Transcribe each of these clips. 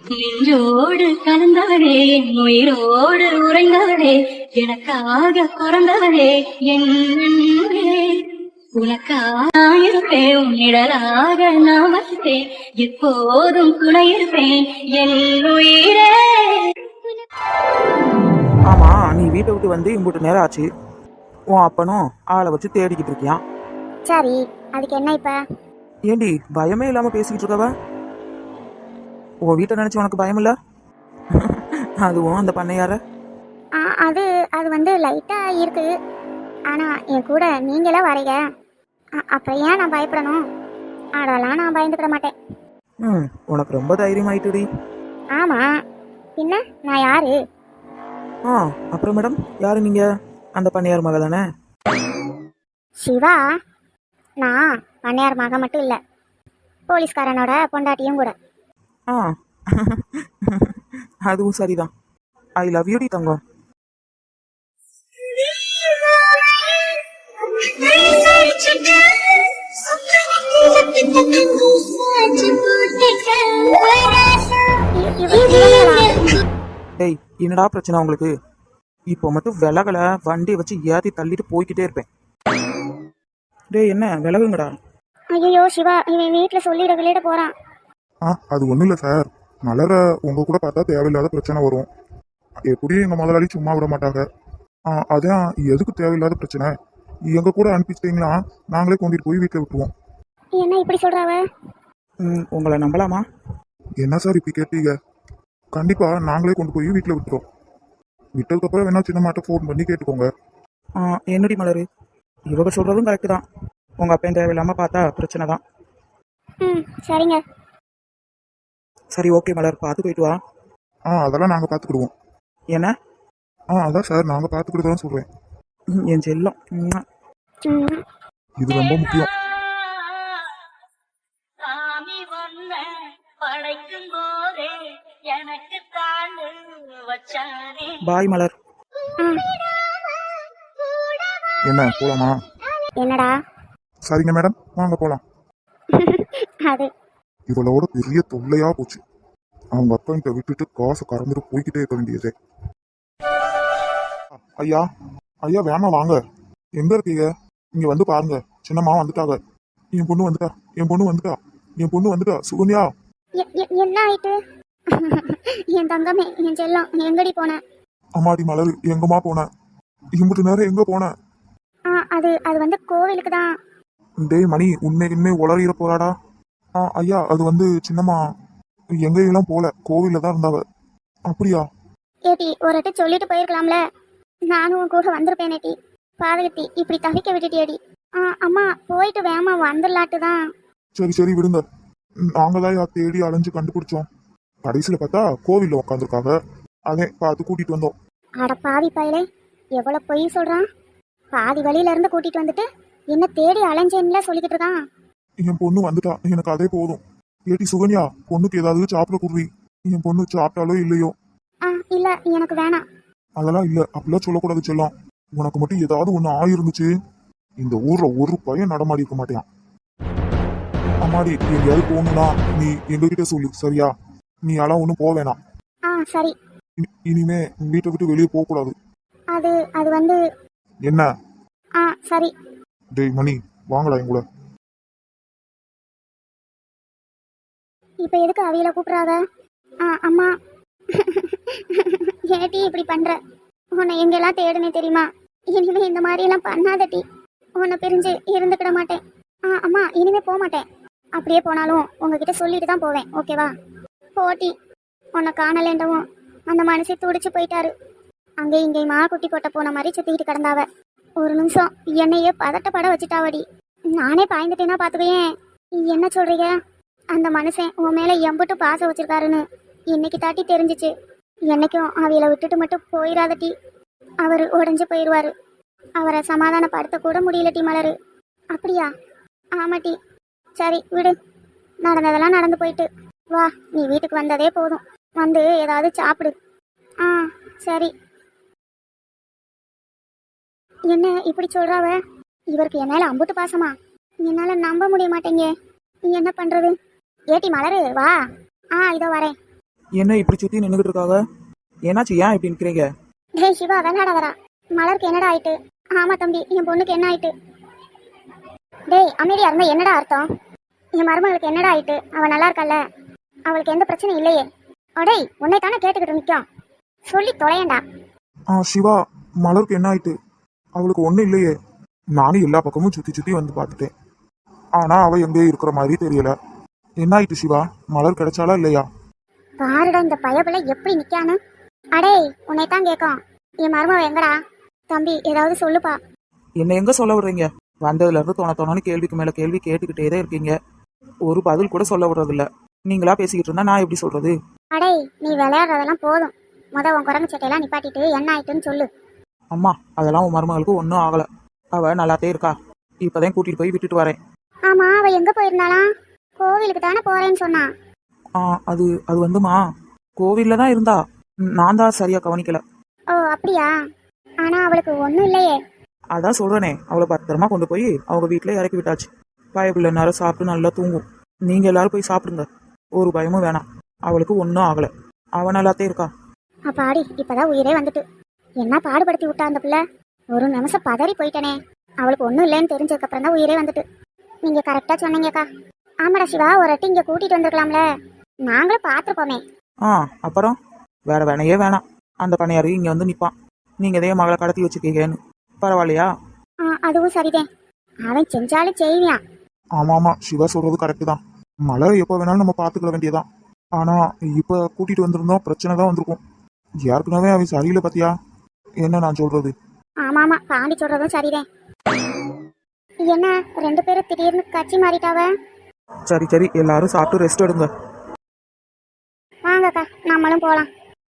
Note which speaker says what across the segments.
Speaker 1: நெஞ்சோடு கலந்தவளே, என் உயிரோடு உறைந்தவளே, எனக்காக பிறந்தவளே என் அன்பே. உனக்காக இருப்பேன், உன்னிடலாக நான் வசித்தேன், எப்போதும் துணை இருப்பேன் என் உயிரே.
Speaker 2: ஆமா, நீ வீட்டை விட்டு வந்து இம்புட்டு நேரம் ஆச்சு. உன் அப்பனும் ஆளை வச்சு தேடிக்கிட்டு இருக்கியான்.
Speaker 3: சரி, அதுக்கு என்ன இப்ப?
Speaker 2: ஏண்டி பயமே இல்லாம பேசிக்கிட்டு இருக்கவ? உன் வீட்டை நினைச்சு உனக்கு பயம் இல்ல? அதுவும் அந்த பண்ணையார.
Speaker 3: அது அது வந்து லைட்டா இருக்கு. ஆனா என் கூட நீங்களா வரீங்க, அப்புறம் ஏன் நான் பயப்படணும்? அதெல்லாம் நான் பயந்துக்கிட மாட்டேன்.
Speaker 2: உனக்கு ரொம்ப தைரியம் ஆயிட்டுடி.
Speaker 3: ஆமா, பின்ன நான் யாரு?
Speaker 2: அப்புறம் மேடம், யாரு நீங்க? அந்த பண்ணையார் மக தானே?
Speaker 3: சிவா, நான் பண்ணையார் மக மட்டும் இல்ல, போலீஸ்காரனோட பொண்டாட்டியும் கூட.
Speaker 2: அதுவும் சரிதான். ஐ லவ் யூ டி தங்கம். டேய், என்னடா பிரச்சனை உங்களுக்கு? இப்போ மட்டும் விலகல, வண்டியை வச்சு ஏத்தி தள்ளிட்டு போய்கிட்டே இருப்பேன். டேய், என்ன விலகுங்கடா.
Speaker 3: ஐயோ சிவா, இவன் வீட்டுல சொல்லிட போறான்.
Speaker 4: அது ஒண்ணும் இல்ல சார். மலர உங்க கூட பார்த்தா தேவையில்லாத பிரச்சனை வரும். எப்படியும் எங்க முதலாளி சும்மா விட மாட்டாங்க. அதான் எதுக்கு தேவையில்லாத பிரச்சனை? எங்க கூட அனுப்பிச்சிட்டீங்களா, நாங்களே கொண்டுட்டு போய் வீட்டுல விட்டுருவோம்.
Speaker 3: என்ன இப்படி சொல்றாவ?
Speaker 2: உங்களை நம்பலாமா?
Speaker 4: என்ன சார் இப்படி கேட்டீங்க? கண்டிப்பா நாங்களே கொண்டு போய் வீட்டுல விட்டுருவோம். விட்டதுக்கு அப்புறம் வேணா சின்ன மாட்ட ஃபோன் பண்ணி கேட்டுக்கோங்க.
Speaker 2: என்னடி மலரு, இவங்க சொல்றதும் கரெக்ட் தான். உங்க அப்பையும் தேவையில்லாம பார்த்தா பிரச்சனை தான்.
Speaker 3: சரிங்க.
Speaker 2: சரி, ஓகே மலர், பார்த்து போயிட்டு வா.
Speaker 4: அதெல்லாம் நாங்க பாத்துக்கிடுவோம்.
Speaker 2: என்ன?
Speaker 4: அதான் சார், நாங்க பாத்துக்கிட்டு சொல்றேன்.
Speaker 2: என் செல்லம்,
Speaker 4: இது ரொம்ப முக்கியம்.
Speaker 1: சாமி வந்த படைக்கும் போதே எனக்கு தாண்டு வச்சானே.
Speaker 2: பாய் மலர்.
Speaker 4: என்ன, போலாமா?
Speaker 3: என்னடா?
Speaker 4: சரிங்க மேடம், வாங்க போலாம்.
Speaker 3: அது
Speaker 4: இவளோட பெரிய தொல்லையா போச்சு. அவங்க அப்பா விட்டுட்டு காசை கறந்துட்டு போய்கிட்டே இருக்க வேண்டியதே. ஐயா ஐயா, வேணா வாங்க. எங்க இருக்கீங்க? இங்க வந்து பாருங்க, சின்னம்மா வந்துட்டாங்க. என் பொண்ணு வந்துட்டா, என் பொண்ணு வந்துட்டா, என் பொண்ணு வந்துட்டா. சுகன்யா,
Speaker 3: என்ன ஆயிட்டு? என் தங்கமே, என் செல்லம், எங்கடி போன?
Speaker 4: அம்மாடி மலர், எங்கம்மா போன? இம்புட்டு நேரம் எங்க போன?
Speaker 3: அது அது வந்து கோவிலுக்கு தான்.
Speaker 4: டேய் மணி, உண்மை உளறிட போறாடா. ஐயா, அது வந்து சின்னம்மா எங்கெல்லாம் போல, கோவில்ல தான் இருந்தாவ. அப்படியா?
Speaker 3: ஏட்டி, ஒரு வாட்டி சொல்லிட்டு போயிருக்கலாம்ல. நானும் கூட வந்திருப்பேனேட்டி. பாதகத்தி, இப்படி தவிக்க விட்டுட்டியடி. அம்மா, போயிட்டு வேமா வந்துடலாட்டு தான்.
Speaker 4: சரி விடுங்க. நாங்க தான் தேடி அலைஞ்சு கண்டுபிடிச்சோம். கடைசியில பார்த்தா கோவில்ல உட்காந்துருக்காங்க. அதே பார்த்து கூட்டிட்டு வந்தோம்.
Speaker 3: அட பாவி பயலே, எவ்வளவு பொய் சொல்றான். பாதி வழியில இருந்து கூட்டிட்டு வந்துட்டு என்ன தேடி அலைஞ்சேன்ல சொல்லிக்கிட்டு இருக்கான்.
Speaker 4: என் பொண்ணு வந்துட்டா, எனக்கு அதே போதும். ஏட்டி சுகன்யா, பொண்ணுக்கு ஏதாவது சாப்பிட குடுவி. என் பொண்ணு சாப்பிட்டாலோ இல்லையோ.
Speaker 3: இல்ல, எனக்கு வேணாம்.
Speaker 4: அதெல்லாம் இல்ல, அப்படிலாம் சொல்லக்கூடாது செல்லம். உனக்கு மட்டும் ஏதாவது ஒண்ணு ஆயிருந்துச்சு, இந்த ஊர்ல ஒரு பையன் நடமாடி இருக்க மாட்டேன். அம்மாடி, எங்கேயாவது போகணும்னா நீ எங்ககிட்ட சொல்லு, சரியா? நீ எல்லாம் ஒண்ணும் போக வேணாம்.
Speaker 3: சரி.
Speaker 4: இனிமே வீட்டை விட்டு வெளியே போக கூடாது.
Speaker 3: அது அது வந்து
Speaker 4: என்ன?
Speaker 3: சரி.
Speaker 4: டேய் மணி, வாங்கடா எங்கூட.
Speaker 3: இப்ப எதுக்கு அவியல கூப்பிடுறாங்க? அம்மா, ஏட்டி இப்படி பண்ற? உன்னை எங்கெல்லாம் தேடுனே தெரியுமா? இனிமே இந்த மாதிரி எல்லாம் பண்ணாதட்டி. உன்னை பிரிஞ்சு இருந்துக்கிட மாட்டேன். அம்மா, இனிமே போக மாட்டேன். அப்படியே போனாலும் உங்ககிட்ட சொல்லிட்டு தான் போவேன், ஓகேவா? போட்டி, உன்னை காணலேண்டவும் அந்த மனசை துடிச்சு போயிட்டாரு. அங்கே இங்கேயுமா குட்டி போட்ட போன மாதிரி சுத்திக்கிட்டு கிடந்தாவ. ஒரு நிமிஷம் என்னையே பதட்டப்பட வச்சுட்டாவடி. நானே பாய்ந்துட்டேன்னா பாத்துக்கேன். என்ன சொல்றீங்க? அந்த மனுஷன் உன் மேல எம்புட்டு பாசம் வச்சிருக்காருன்னு இன்னைக்கு தாட்டி தெரிஞ்சிச்சு. என்னைக்கும் அவையில விட்டுட்டு மட்டும் போயிடாதட்டி. அவர் உடஞ்சு போயிடுவாரு. அவரை சமாதானப்படுத்த கூட முடியலட்டி மலரு. அப்படியா? ஆமாட்டி. சரி விடு, நடந்ததெல்லாம் நடந்து போயிட்டு வா. நீ வீட்டுக்கு வந்ததே போதும். வந்து ஏதாவது சாப்பிடு. சரி. என்ன இப்படி சொல்றாவ? இவருக்கு என் மேல அம்புட்டு பாசமா? என்னால நம்ப முடிய மாட்டேங்க. என்ன பண்றது? ஏட்டி மலரு, வா. இதோ வரேன்.
Speaker 2: என்ன இப்படி சுற்றி நின்றுக்கிட்டு இருக்காங்க? என்னாச்சு, ஏன் இப்படி நிற்கிறீங்க?
Speaker 3: டேய் சிவா விளையாடாதடா. மலருக்கு என்னடா ஆயிட்டு? ஆமா தம்பி, என் பொண்ணுக்கு என்ன ஆயிட்டு? டேய் அமைதியா இருந்தா என்னடா அர்த்தம்? என் மருமகளுக்கு என்னடா ஆயிட்டு? அவ நல்லா இருக்கல்ல, அவளுக்கு எந்த பிரச்சனையும் இல்லையே. அடேய் உன்னை தானே கேட்டுக்கிட்டு நிற்கும், சொல்லி தொலையண்டா.
Speaker 4: சிவா, மலருக்கு என்ன ஆயிட்டு? அவளுக்கு ஒன்றும் இல்லையே. நானும் எல்லா பக்கமும் சுற்றி சுற்றி வந்து பார்த்துட்டேன். ஆனால் அவள் எங்கேயும் இருக்கிற மாதிரி தெரியல. என்ன ஆயிட்டு சிவா? மலர் கிடைச்சாலா இல்லையா?
Speaker 3: பாருடா இந்த பயபுல எப்படி நிக்கானு. அடேய் உன்னை தான் கேட்கும், என் மருமவ எங்கடா? தம்பி ஏதாவது சொல்லுப்பா.
Speaker 2: என்ன எங்கே சொல்ல விடுறீங்க? வந்ததுலேருந்து தோணு கேள்விக்கு மேலே கேள்வி கேட்டுக்கிட்டே தான் இருக்கீங்க. ஒரு பதில் கூட சொல்ல விடுறதில்ல. நீங்களா பேசிக்கிட்டு இருந்தா நான் எப்படி சொல்கிறது?
Speaker 3: அடேய் நீ விளையாடுறதெல்லாம் போதும், உன் குரங்கு சட்டையெல்லாம் நிப்பாட்டிட்டு என்ன ஆயிட்டுன்னு சொல்லு.
Speaker 2: அம்மா, அதெல்லாம் உன் மருமகளுக்கு ஒன்றும் ஆகலை. அவள் நல்லாத்தே இருக்கா. இப்போதான் கூட்டிகிட்டு போய் விட்டுட்டு வரேன்.
Speaker 3: ஆமா அவ எங்க போயிருந்தாளாம்? கோவிலுக்கு தானே போறேன்னு சொன்னா.
Speaker 2: அது வந்துமா, கோவிலில் தான் இருந்தா. நான் தான் சரியாக கவனிக்கல.
Speaker 3: ஓ அப்படியா? ஆனா அவளுக்கு ஒன்றும் இல்லையே.
Speaker 2: அதான் சொல்கிறேனே, அவளை பத்திரமா கொண்டு போய் அவங்க வீட்டில் இறக்கி விட்டாச்சு. பயப்புள்ள நேரம் சாப்பிட்டு நல்லா தூங்கும். நீங்கள் எல்லாரும் போய் சாப்பிடுங்க, ஒரு பயமும் வேணாம். அவளுக்கு ஒன்றும் ஆகலை, அவன் நல்லாத்தே இருக்கா.
Speaker 3: அப்பாடி இப்பதான் உயிரே வந்துட்டு. என்ன பாடுபடுத்தி விட்டா அந்த பிள்ளை. ஒரு நிமிஷம் பதறி போயிட்டனே. அவளுக்கு ஒன்றும் இல்லைன்னு தெரிஞ்சதுக்கு அப்புறம் தான் உயிரே வந்துட்டு. நீங்க கரெக்டா சொன்னீங்கக்கா. ஆமாடா சிவா, ஒரு வாட்டி இங்க கூட்டிட்டு வந்திருக்கலாம்ல, நாங்களும் பார்த்துருப்போமே.
Speaker 2: அப்புறம் வேற வேணையே வேணாம். அந்த பணியாரு இங்கே வந்து நிற்பான். நீங்கள் இதே மகளை கடத்தி வச்சுக்கீங்கன்னு. பரவாயில்லையா?
Speaker 3: அதுவும் சரிதான், அவன் செஞ்சாலும் செய்வியான்.
Speaker 4: ஆமா சிவா சொல்றது கரெக்டு தான். மலரை எப்போ வேணாலும் நம்ம பார்த்துக்கிட வேண்டியதான். ஆனா இப்போ கூட்டிட்டு வந்திருந்தோம், பிரச்சனை தான் வந்திருக்கும். ஏற்கனவே அவன் சரியில்லை பத்தியா? என்ன நான் சொல்றது?
Speaker 3: ஆமா பாண்டி சொல்றதும் சரிதான். என்ன ரெண்டு பேரும் திடீர்னு கட்சி மாறிட்டாவ?
Speaker 2: சரி, எல்லாரும் சாப்பிட்டு ரெஸ்ட் எடுங்க.
Speaker 3: வாங்கக்கா நம்மளும் போலாம்.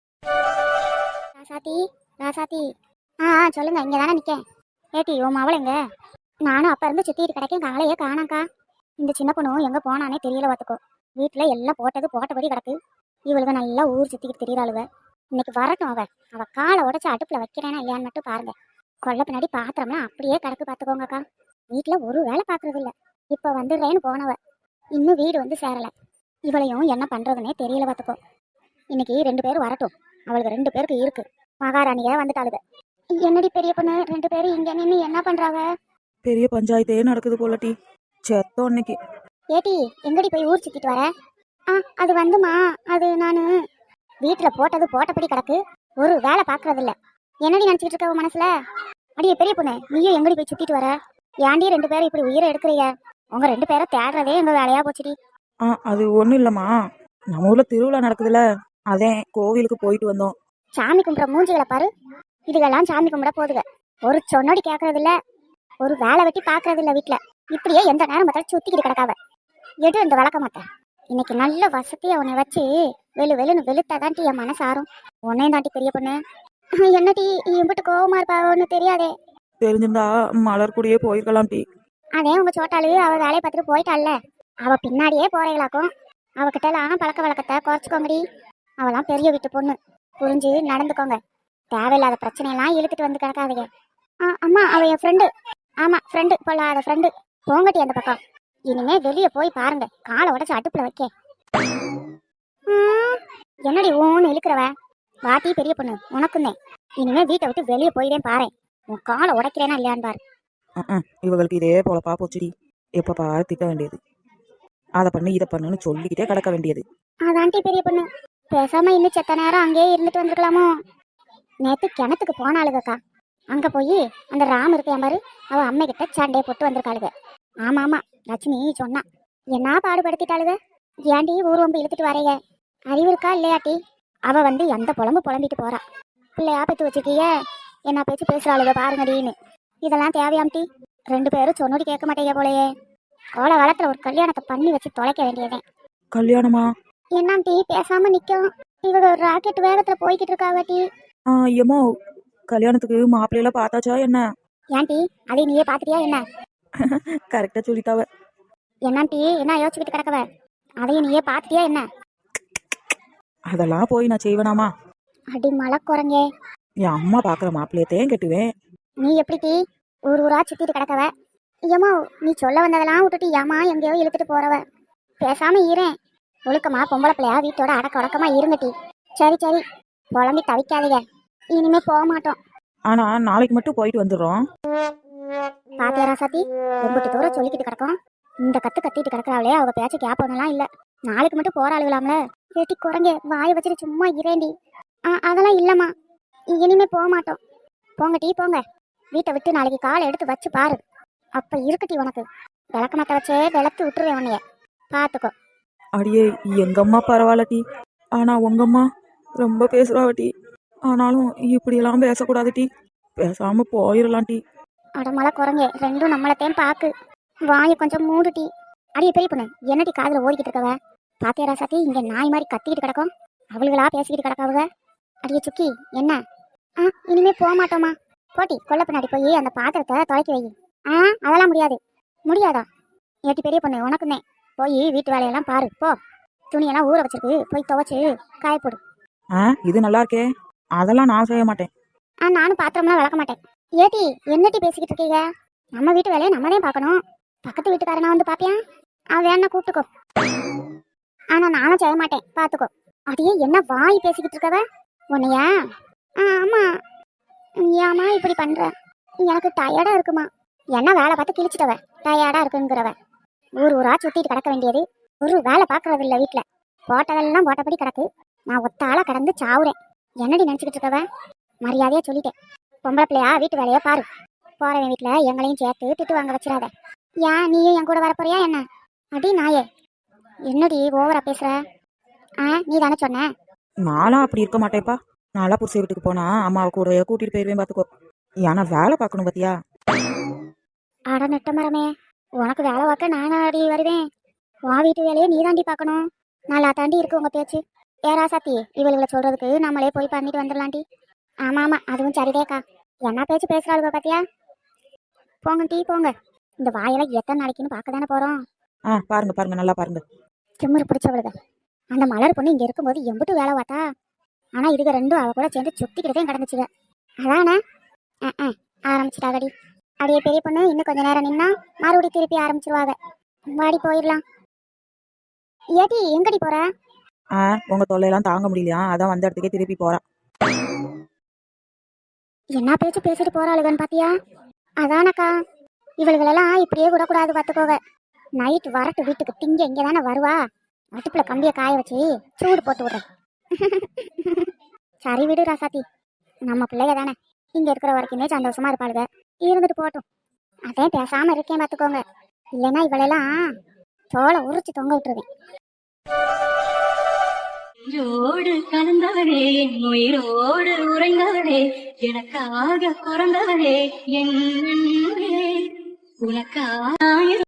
Speaker 3: ராசாத்தி சொல்லுங்க, இங்க தானே நிக்கேன். ஏட்டி உன் மவளைங்க? நானும் அப்ப இருந்து சுத்திட்டு கிடைக்கேன், காலையே காணாக்கா. இந்த சின்ன பொண்ணும் எங்க போனானே தெரியல. பார்த்துக்கோ, வீட்டுல எல்லாம் போட்டபடி கிடக்கு. இவளுக்கு நல்லா ஊர் சுத்திக்கிட்டு தெரியறாளுவ. இன்னைக்கு வரட்டும், அவ காலை உடைச்சு அடுப்புல வைக்கிறேன்னா இல்லையான்னு மட்டும் பாருங்க. கொல்ல பின்னாடி பாத்திரம்னா அப்படியே கிடக்கு. பாத்துக்கோங்கக்கா, வீட்டுல ஒரு வேலை பாக்குறது இல்ல. இப்ப வந்துடுறேன்னு போனவ இன்னும் வீடு வந்து சேரல. இவளையும் என்ன பண்றதுன்னே தெரியல. பார்த்துக்கோ, இன்னைக்கு 2 பேரும் வரட்டும். அவளுக்கு 2 பேருக்கு இருக்கு. மகாராணிய வந்துட்டாளுக. என்னடி பெரிய பொண்ணு 2 பேரும் இங்க நின்று என்ன பண்றாங்க?
Speaker 2: பெரிய பஞ்சாயத்தே நடக்குது போலட்டி. செத்தோம் இன்னைக்கு.
Speaker 3: ஏட்டி எங்கடி போய் ஊர் சுத்திட்டு வர? அது வந்துமா, அது நானு வீட்டுல போட்டபடி கிடக்கு. ஒரு வேலை பாக்குறது இல்ல. என்னடி நினைச்சிட்டு இருக்க உன் மனசுல? அடியே பெரிய பொண்ணு, நீயும் எங்கடி போய் சுத்திட்டு வர? ஏன்டி 2 பேரும் இப்படி உயிரை எடுக்கிறீங்க? உங்க 2 பேரை தேடுறதே எங்க வேலையா போச்சுடி.
Speaker 2: அது ஒன்றும் இல்லைம்மா, நம்ம ஊரில் திருவிழா நடக்குதுல்ல, அதே கோவிலுக்கு போயிட்டு வந்தோம்.
Speaker 3: சாமி கும்பிட்ற மூஞ்சிகளை பாரு. இதுக்கெல்லாம் சாமி கும்பிட போதுக. ஒரு சொன்னோடி கேட்கறது இல்ல, ஒரு வேலை வெட்டி பார்க்கறது இல்ல. வீட்டுல இப்படியே எந்த நேரம் பார்த்தாலும் சுத்திக்கிட்டு கிடக்காவ. எடு இந்த வளர்க்க மாட்டேன். இன்னைக்கு நல்ல வசதியா உன்னை வச்சு வெளுன்னு வெளுத்தாதான்ட்டி என் மனசு ஆறும். உன்னையும் தாண்டி பெரிய பொண்ணு. என்னடி இம்பிட்டு கோவமா இருப்பாவோன்னு தெரியாதே.
Speaker 2: தெரிஞ்சிருந்தா மலர் கூடயே போயிருக்கலாம் டி.
Speaker 3: அதே உங்க சோட்டாளு அவ வேலையை பார்த்துட்டு போயிட்டாள்ல, அவ பின்னாடியே போறீங்களாக்கும். அவகிட்ட எல்லாம் பழக்க வழக்கத்தை குறைச்சிக்கோங்கடி. அவெல்லாம் பெரிய வீட்டு பொண்ணு, புரிஞ்சு நடந்துக்கோங்க. தேவையில்லாத பிரச்சனையெல்லாம் இழுத்துட்டு வந்து கிடக்காதீங்க. அம்மா அவ என் ஃப்ரெண்டு. ஆமா ஃப்ரெண்டு, பொல்லாத ஃப்ரெண்டு. போங்கட்டி அந்த பக்கம். இனிமே வெளியே போய் பாருங்க, காலை உடச்சு அடுப்புல வைக்க. என்னடி ஊன்னு இழுக்கிறவ? வாட்டி பெரிய பொண்ணு உனக்குன்னே. இனிமே வீட்டை விட்டு வெளியே போயிடேன் பாரு. உன் காலை உடைக்கிறேனா இல்லையான்னு பாரு.
Speaker 2: இவங்களுக்கு இதே போலப்பா போச்சுடி. எப்ப பாரு திட்ட வேண்டியது, அதை பண்ணு இதை பண்ணுன்னு சொல்லிக்கிட்டே கிடக்க வேண்டியது.
Speaker 3: அதான்ட்டி பெரிய பொண்ணு, பேசாம இன்னும் செத்த நேரம் அங்கேயே இருந்துட்டு வந்துருக்கலாமோ. நேத்து கிணத்துக்கு போனாளுகக்கா. அங்க போய் அந்த ராம் இருக்கையா பாரு, அவ அம்மை கிட்ட சண்டையை போட்டு வந்திருக்காளுக. ஆமா லட்சுமி சொன்னா. என்ன பாடுபடுத்திட்டாளுக. ஏன்டி ஊர்வம்பு இழுத்துட்டு வரைய அறிவு இருக்கா இல்லையாட்டி? அவ வந்து எந்த புலம்பிட்டு போறா. பிள்ளையா பெற்று வச்சுக்கிய என்ன பேச்சு பேசுறாளுக பாருங்கடின்னு. இதெல்லாம் தேவையாம்டி? 2 பேரும் சொன்னோடி கேட்க மாட்டேங்க போலயே. கோல காலத்துல ஒரு கல்யாணத்தை பண்ணி வச்சு தொலைக்க வேண்டியதே.
Speaker 2: கல்யாணமா?
Speaker 3: என்னாம்டி பேசாம நிக்கும்? இவங்க ஒரு ராக்கெட் வேகத்துல போய்கிட்டு இருக்காவட்டி.
Speaker 2: ஏமோ கல்யாணத்துக்கு மாப்பிள்ளையெல்லாம் பார்த்தாச்சா என்ன?
Speaker 3: ஏன்டி அதை நீயே பாத்துட்டியா என்ன?
Speaker 2: கரெக்டா சொல்லிட்டாவ.
Speaker 3: என்னாம்டி என்ன யோசிச்சுக்கிட்டு கிடக்கவ? அதையும் நீயே பாத்துட்டியா என்ன?
Speaker 2: அதெல்லாம் போய் நான் செய்வேனாமா?
Speaker 3: அடி மலை குரங்கே,
Speaker 2: என் அம்மா பாக்குற மாப்பிள்ளையத்தையும் கட்டுவேன்.
Speaker 3: நீ எப்படி ஊரா சுத்திட்டு கிடக்கவ? ஏமா நீ சொல்ல வந்ததெல்லாம் விட்டுட்டு ஏமா எங்கேயோ இழுத்துட்டு போறவ. பேசாம ஈரேன். ஒழுக்கமா பொம்பளை பிள்ளையா வீட்டோட அடக்க உடக்கமா இருங்கட்டி. சரி சரி, புலம்பி தவிக்காதீங்க. இனிமே போக மாட்டோம்.
Speaker 2: ஆனா நாளைக்கு மட்டும் போயிட்டு வந்துடுறோம்.
Speaker 3: பாத்தியா ராசாத்தி, எம்பிட்டு தூரம் சொல்லிக்கிட்டு கிடக்கும். இந்த கத்து கத்திட்டு கிடக்குறாங்களே, அவங்க பேச்ச கேப்போன்னெல்லாம் இல்ல. நாளைக்கு மட்டும் போராளுகளாம்ல. ஏட்டி குரங்கே, வாயை வச்சுட்டு சும்மா இரேண்டி. அதெல்லாம் இல்லம்மா, இனிமே போக மாட்டோம். போங்க டீ போங்க. வீட்டை விட்டு நாளைக்கு காலை எடுத்து வச்சு பாரு. அப்ப இருக்குட்டி உனக்கு. விளக்க மாத்த வச்சே விளக்கு விட்டுருவேன் உன்னைய, பாத்துக்கோ.
Speaker 2: அடியே எங்கம்மா பரவாயில்ல டீ, ஆனா உங்கம்மா ரொம்ப பேசுறாவ டீ. ஆனாலும் இப்படியெல்லாம் பேசக்கூடாது டீ, பேசாம போயிடலாம் டீ.
Speaker 3: அடமலை குரங்கே, ரெண்டும் நம்மளத்தையும் பாக்கு. வாயை கொஞ்சம் மூடு டீ. அடியே பெரிய பொண்ணு, என்னடி காதுல ஓடிக்கிட்டு இருக்கவ? பாத்தியா ராசாத்தி, இங்க நாய் மாதிரி கத்திக்கிட்டு கிடக்கும். அவளுகளா பேசிக்கிட்டு கிடக்காவுக. அடியே சுக்கி, என்ன? இனிமே போக மாட்டோமா? போட்டி கொல்ல பின்னாடி போய் அந்த பாத்திரத்தை துவைக்க வை. அதெல்லாம் முடியாது. முடியாதா? ஏட்டி பெரிய பொண்ணு, உனக்குன்னே. போய் வீட்டு வேலையெல்லாம் பாரு போ. துணியெல்லாம் ஊற வச்சிருக்கு, போய் துவைச்சு காயப்போடு.
Speaker 2: இது நல்லா இருக்கே, அதெல்லாம் நான் செய்ய மாட்டேன்.
Speaker 3: நானும் பாத்திரம்லாம் விளக்க மாட்டேன். ஏட்டி என்னட்டி பேசிக்கிட்டு இருக்கீங்க? நம்ம வீட்டு வேலையை நம்ம தான் பார்க்கணும். பக்கத்து வீட்டுக்காரனா வந்து பாப்பியா? அவன் வேணா கூப்பிட்டுக்கோ. ஆனா நானும் செய்ய மாட்டேன், பாத்துக்கோ. அதையே என்ன வாய் பேசிக்கிட்டு இருக்கவ உன்னையா? ஆமா. ஏமா இப்படி பண்ற? எனக்கு டயர்டா இருக்குமா? என்ன வேலை பார்த்து கிழிச்சிட்டவ டயர்டா இருக்குங்கிறவ. ஊர் ஊரா சுத்திட்டு கிடக்க வேண்டியது, ஒரு வேலை பாக்குறது இல்ல. வீட்டுல போட்டதெல்லாம் போட்டபடி கிடக்கு. நான் ஒத்தாளா கடந்து சாவுறேன். என்னடி நினைச்சுக்கிட்டு இருக்கவ? மரியாதையா சொல்லிட்டேன். பொம்பளை பிள்ளையா வீட்டு வேலையை பாரு. போறவன் வீட்டுல எங்களையும் சேர்த்து திட்டு வாங்க வச்சிடாத. ஏன் நீயும் என் கூட வரப்போறியா என்ன? அடி நாயே, என்னடி ஓவரா பேசுற? நீ தானே சொன்ன.
Speaker 2: நானும் அப்படி இருக்க மாட்டேப்பா. நாளா புருஷ வீட்டுக்கு போனா அம்மாவை கூட கூட்டிட்டு போயிருவேன் பாத்துக்கோ. ஏன்னா வேலை பார்க்கணும் பாத்தியா?
Speaker 3: அட நெட்ட மரமே, உனக்கு வேலை பார்க்க நானா அடி வருவேன்? உன் வீட்டு வேலையை நீ தாண்டி பார்க்கணும். நல்லா தாண்டி இருக்கு உங்க பேச்சு. ஏரா சாத்தி, இவளுகளை சொல்றதுக்கு நம்மளே போய் பண்ணிட்டு வந்துடலாண்டி. ஆமா ஆமா, அதுவும் சரிதேக்கா. என்ன பேச்சு பேசுறாளுங்க பாத்தியா? போங்க டீ போங்க. இந்த வாயெல்லாம் எத்தனை நாளைக்குன்னு பார்க்க தானே போறோம்.
Speaker 2: பாருங்க பாருங்க, நல்லா பாருங்க.
Speaker 3: திமிரு பிடிச்சவளுக. அந்த மலர் பொண்ணு இங்க இருக்கும்போது எம்பிட்டு வேலை பார்த்தா. ஆனா இதுக ரெண்டும் அவ கூட சேர்ந்து சுத்திக்கிட்டே கிடந்துச்சுங்க. அதானே ஆரம்பிச்சிட்டாகடி. அடியே பெரிய பொண்ணு, இன்னும் கொஞ்ச நேரம் நின்னா மறுபடி திருப்பி ஆரம்பிச்சிருவாங்க. வாடி போயிடலாம். ஏடி எங்கடி போற?
Speaker 2: உங்க தொல்லையெல்லாம் தாங்க முடியலையா, அதான் வந்த இடத்துக்கே திருப்பி போறா.
Speaker 3: என்ன பேச்சு பேசிட்டு போறாளுகன்னு பாத்தியா? அதானக்கா, இவளுகளெல்லாம் இப்படியே விடக்கூடாது பார்த்துக்கோங்க. நைட் வரட்டு வீட்டுக்கு திங்க இங்கே தானே வருவா. அடுப்புல கம்பியை காய வச்சு சூடு போட்டு விடுறேன். சரி விடு ராசாத்தி, நம்ம பிள்ளைக தானே, இங்க இருக்கிற வரைக்குமே சந்தோஷமா இருப்பாளுங்க. இருந்துட்டு போட்டும். அதே பேசாம இருக்கேன் பார்த்துக்கோங்க. இல்லைன்னா இவளெல்லாம் தோலை உரிச்சு தொங்க விட்டுருவேன்.
Speaker 1: நெஞ்சோடு கலந்தவளே, என் உயிரோடு உறைந்தவளே, எனக்காக பிறந்தவளே, என் அன்பே, உனக்காக